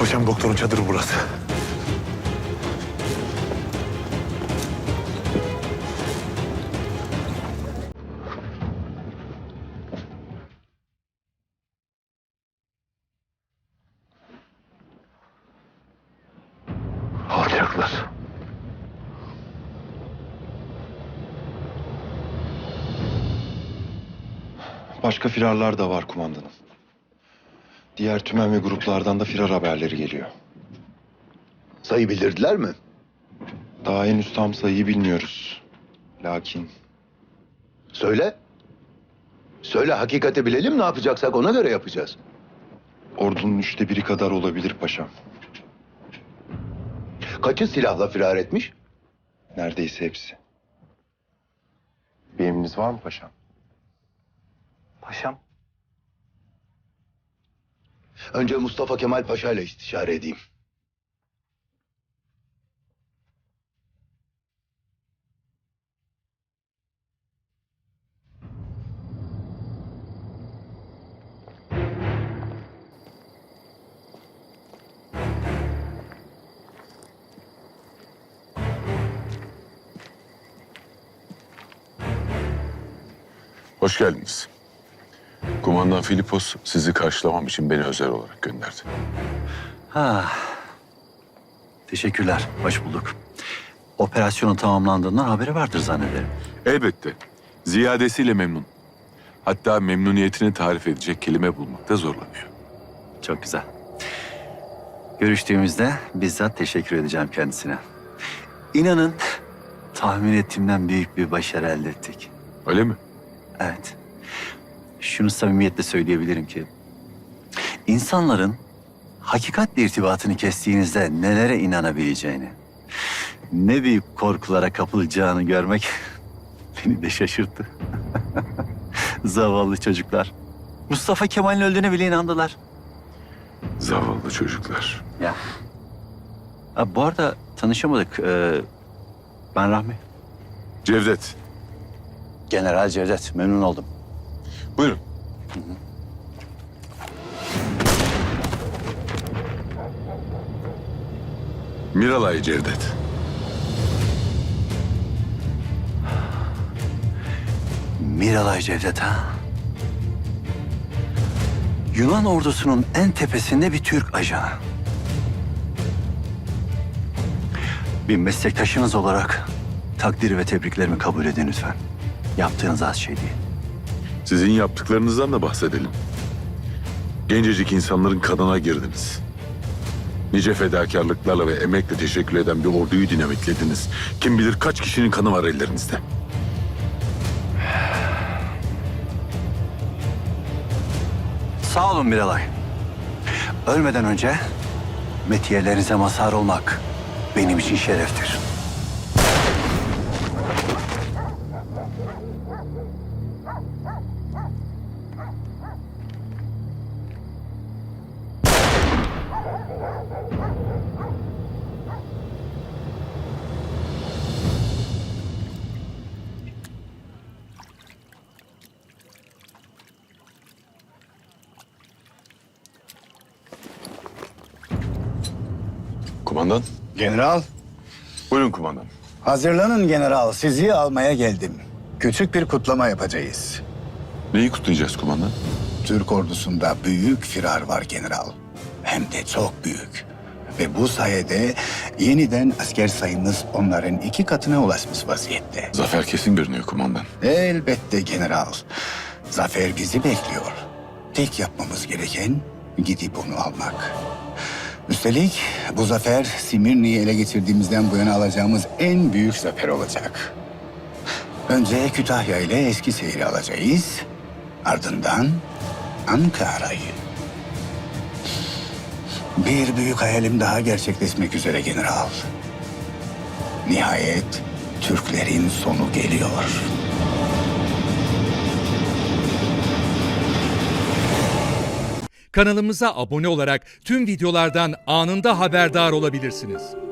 Paşam doktorun çadırı burası. Alacaklar. Başka firarlar da var kumandanım. Diğer tümen ve gruplardan da firar haberleri geliyor. Sayı bildirdiler mi? Daha henüz tam sayıyı bilmiyoruz. Lakin Söyle. Söyle, hakikati bilelim, ne yapacaksak ona göre yapacağız. ordunun 1/3 kadar olabilir paşam. Kaçı silahla firar etmiş? Neredeyse hepsi. Bir emriniz var mı paşam? Paşam. Önce Mustafa Kemal Paşa ile istişare edeyim. Hoş geldiniz. Kumandan Filipos sizi karşılamam için beni özel olarak gönderdi. Teşekkürler. Hoş bulduk. Operasyonun tamamlandığından haberi vardır zannederim. Elbette. Ziyadesiyle memnun. Hatta memnuniyetini tarif edecek kelime bulmakta zorlanıyor. Çok güzel. Görüştüğümüzde bizzat teşekkür edeceğim kendisine. İnanın tahmin ettiğimden büyük bir başarı elde ettik. Öyle mi? Evet. Şunu samimiyetle söyleyebilirim ki... ...insanların hakikatle irtibatını kestiğinizde nelere inanabileceğini... ...ne büyük korkulara kapılacağını görmek beni de şaşırttı. Zavallı çocuklar. Mustafa Kemal'in öldüğüne bile inandılar. Zavallı çocuklar. Ya. Ha, bu arada tanışamadık. Ben Rahmi. Cevdet, General Cevdet. Memnun oldum. buyurun. Miralay Cevdet. Miralay Cevdet ha? Yunan ordusunun en tepesinde bir Türk ajanı. Bir meslektaşınız olarak takdir ve tebriklerimi kabul edin lütfen. Yaptığınız az şey değil. Sizin yaptıklarınızdan da bahsedelim. Gencecik insanların kanına girdiniz. Nice fedakarlıklarla ve emekle teşekkür eden bir orduyu dinamitlediniz. Kim bilir kaç kişinin kanı var ellerinizde. Sağ olun Miralay. Ölmeden önce metiyelerinize mazhar olmak benim için şereftir. Kumandan. General, Buyurun kumandan. hazırlanın general. Sizi almaya geldim. Küçük bir kutlama yapacağız. Neyi kutlayacağız kumandan? Türk ordusunda büyük firar var general. Hem de çok büyük. Ve bu sayede yeniden asker sayımız onların 2 katına ulaşmış vaziyette. Zafer kesin görünüyor kumandan. Elbette general. Zafer bizi bekliyor. Tek yapmamız gereken gidip onu almak. Üstelik bu zafer Simirni'yi ele geçirdiğimizden bu yana alacağımız en büyük zafer olacak. Önce Kütahya ile Eskişehir'i alacağız. Ardından Ankara'yı. Bir büyük hayalim daha gerçekleşmek üzere general. Nihayet Türklerin sonu geliyor. Kanalımıza abone olarak tüm videolardan anında haberdar olabilirsiniz.